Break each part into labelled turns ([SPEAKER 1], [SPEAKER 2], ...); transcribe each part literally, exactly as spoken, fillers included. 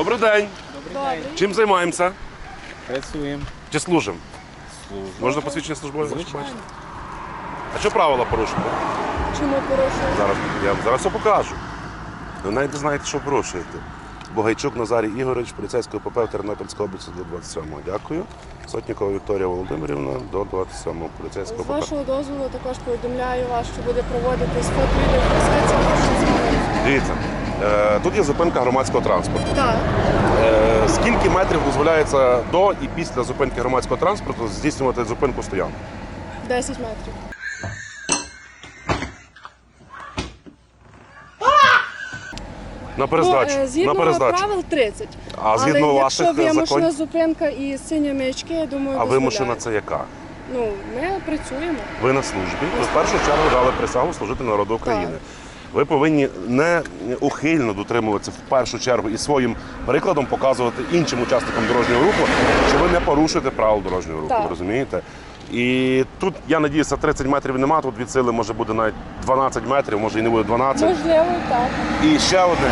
[SPEAKER 1] Добрий день.
[SPEAKER 2] Добрий.
[SPEAKER 1] Чим займаємося?
[SPEAKER 2] Працюємо.
[SPEAKER 1] Чи служимо?
[SPEAKER 2] Служимо.
[SPEAKER 1] Можна посвідчення службове?
[SPEAKER 2] Звичайно.
[SPEAKER 1] А що правила порушуєте?
[SPEAKER 3] Чому порушує?
[SPEAKER 1] Зараз я вам зараз все покажу. Ви навіть не знаєте, що порушуєте. Богайчук Назарій Ігорович, поліцейського ПП в Тернопільській області до двадцять сьомого. Дякую. Сотнікова Вікторія Володимирівна до двадцять сьомого поліцейського
[SPEAKER 3] З
[SPEAKER 1] ПП.
[SPEAKER 3] вашого дозволу також повідомляю вас, що буде проводитись фото-відеофіксація вашого змови.
[SPEAKER 1] Дивіться, е, тут є зупинка громадського транспорту.
[SPEAKER 3] Так.
[SPEAKER 1] Е, Скільки метрів дозволяється до і після зупинки громадського транспорту здійснювати зупинку стоянку?
[SPEAKER 3] десять метрів.
[SPEAKER 1] На перездачу.
[SPEAKER 3] Ну, е, згідно
[SPEAKER 1] на перездачу.
[SPEAKER 3] правил тридцять.
[SPEAKER 1] А згідно
[SPEAKER 3] Але
[SPEAKER 1] ваших
[SPEAKER 3] якщо вимушена
[SPEAKER 1] законів?
[SPEAKER 3] зупинка і сині маячки, я думаю,
[SPEAKER 1] А вимушена
[SPEAKER 3] дозволяє.
[SPEAKER 1] це яка?
[SPEAKER 3] Ну, ми працюємо.
[SPEAKER 1] Ви на службі. Ви в першу чергу дали присягу служити народу України. Ви повинні неухильно дотримуватися в першу чергу і своїм прикладом показувати іншим учасникам дорожнього руху, що ви не порушуєте правил дорожнього руху.
[SPEAKER 3] Так.
[SPEAKER 1] Ви розумієте? І тут, я надіюся, тридцять метрів немає, тут від сили може буде навіть дванадцять метрів, може і не буде дванадцять.
[SPEAKER 3] Можливо, так.
[SPEAKER 1] І ще одне.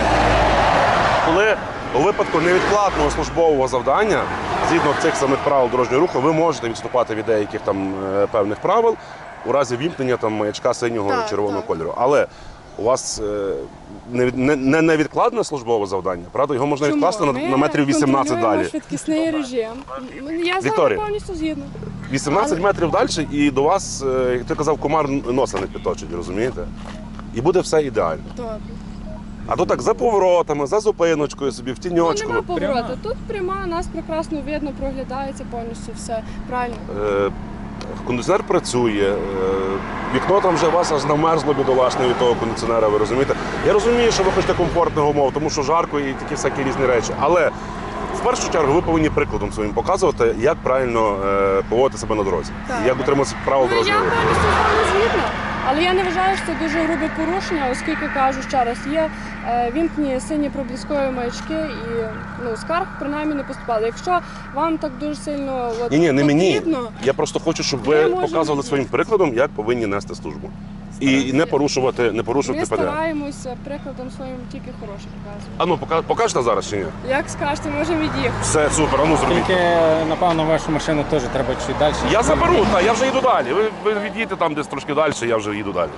[SPEAKER 1] Коли у випадку невідкладного службового завдання, згідно цих самих правил дорожнього руху, ви можете відступати від деяких там е, певних правил у разі вімкнення там маячка синього
[SPEAKER 3] Так,
[SPEAKER 1] червоного
[SPEAKER 3] так. кольору.
[SPEAKER 1] Але у вас е, не, не, не невідкладне службове завдання, правда? Його можна
[SPEAKER 3] Чому?
[SPEAKER 1] відкласти на,
[SPEAKER 3] Ми
[SPEAKER 1] на метрів вісімнадцять
[SPEAKER 3] контролюємо
[SPEAKER 1] далі.
[SPEAKER 3] швидкісний режим. Я з
[SPEAKER 1] Вікторія.
[SPEAKER 3] вами повністю згідна.
[SPEAKER 1] вісімнадцять
[SPEAKER 3] Але-
[SPEAKER 1] метрів далі і до вас, е, як ти казав, комар носа не підточить, розумієте? І буде все ідеально.
[SPEAKER 3] Добре.
[SPEAKER 1] А то так за поворотами, за зупиночкою собі, в
[SPEAKER 3] Ну,
[SPEAKER 1] тіньочку.
[SPEAKER 3] нема повороту.
[SPEAKER 2] Пряма.
[SPEAKER 3] Тут пряма, нас прекрасно видно, проглядається повністю все. Правильно.
[SPEAKER 1] Е, Кондиціонер працює, е, вікно там вже у вас аж намерзло бідолашне від того кондиціонера, ви розумієте? Я розумію, що ви хочете комфортних умов, тому що жарко і такі всякі різні речі. Але в першу чергу ви повинні прикладом своїм показувати, як правильно е, поводити себе на дорозі.
[SPEAKER 3] Так.
[SPEAKER 1] І як дотримуватися правил
[SPEAKER 3] Ну, я
[SPEAKER 1] дорожнього руху.
[SPEAKER 3] повністю з вами згідна. Але я не вважаю, що це дуже грубе порушення, оскільки кажу ще раз, є е, вімкні сині проблискові маячки і ну, скарг принаймні не поступало. Якщо вам так дуже сильно от,
[SPEAKER 1] Ні, ні, не мені.
[SPEAKER 3] потрібно,
[SPEAKER 1] Я просто хочу, щоб
[SPEAKER 3] Ми
[SPEAKER 1] ви
[SPEAKER 3] можемо
[SPEAKER 1] показували
[SPEAKER 3] їздити.
[SPEAKER 1] своїм прикладом, як повинні нести службу. І, і не порушувати, не порушувати
[SPEAKER 3] ми
[SPEAKER 1] ПДР.
[SPEAKER 3] стараємося прикладом своїм тільки хороше показувати.
[SPEAKER 1] А ну, пока- покажете зараз чи ні?
[SPEAKER 3] Як скажете, можемо від'їхати.
[SPEAKER 1] Все, супер, а ну зробіть.
[SPEAKER 2] Тільки, напевно, вашу машину теж треба чуть далі.
[SPEAKER 1] Я заберу, та я вже їду далі. Ви, ви відійдете там десь трошки далі, я вже їду далі.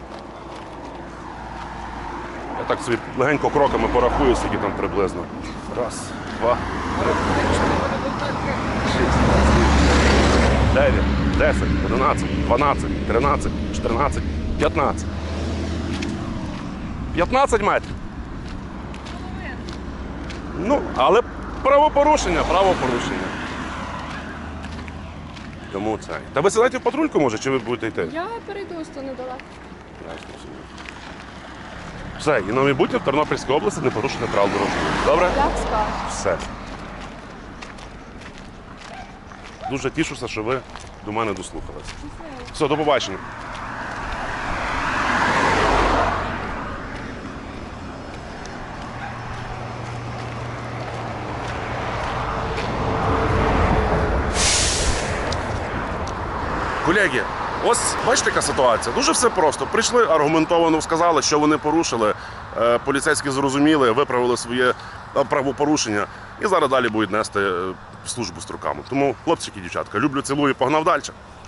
[SPEAKER 1] Я так собі легенько кроками порахую, скільки там приблизно. Раз, два, три, чотири, шість, дев'ять, десять, одинадцять, дванадцять, тринадцять, чотирнадцять, п'ятнадцять. п'ятнадцять метрів. Ну, але правопорушення, правопорушення. Тому це. Та ви сідайте в патрульку, може, чи ви будете йти?
[SPEAKER 3] Я перейду ось то недалеко.
[SPEAKER 1] Все, і на майбутнє в Тернопільській області не порушити правил дорожнього руху. Добре?
[SPEAKER 3] Як скажете.
[SPEAKER 1] Все. Дуже тішуся, що ви до мене дослухалися. Все, до побачення. Колеги, ось бачите, яка ситуація. Дуже все просто. Прийшли, аргументовано сказали, що вони порушили. Е, Поліцейські зрозуміли, виправили своє е, правопорушення і зараз далі будуть нести е, службу з руками. Тому, хлопчики і дівчатка, люблю, цілую, погнав далі.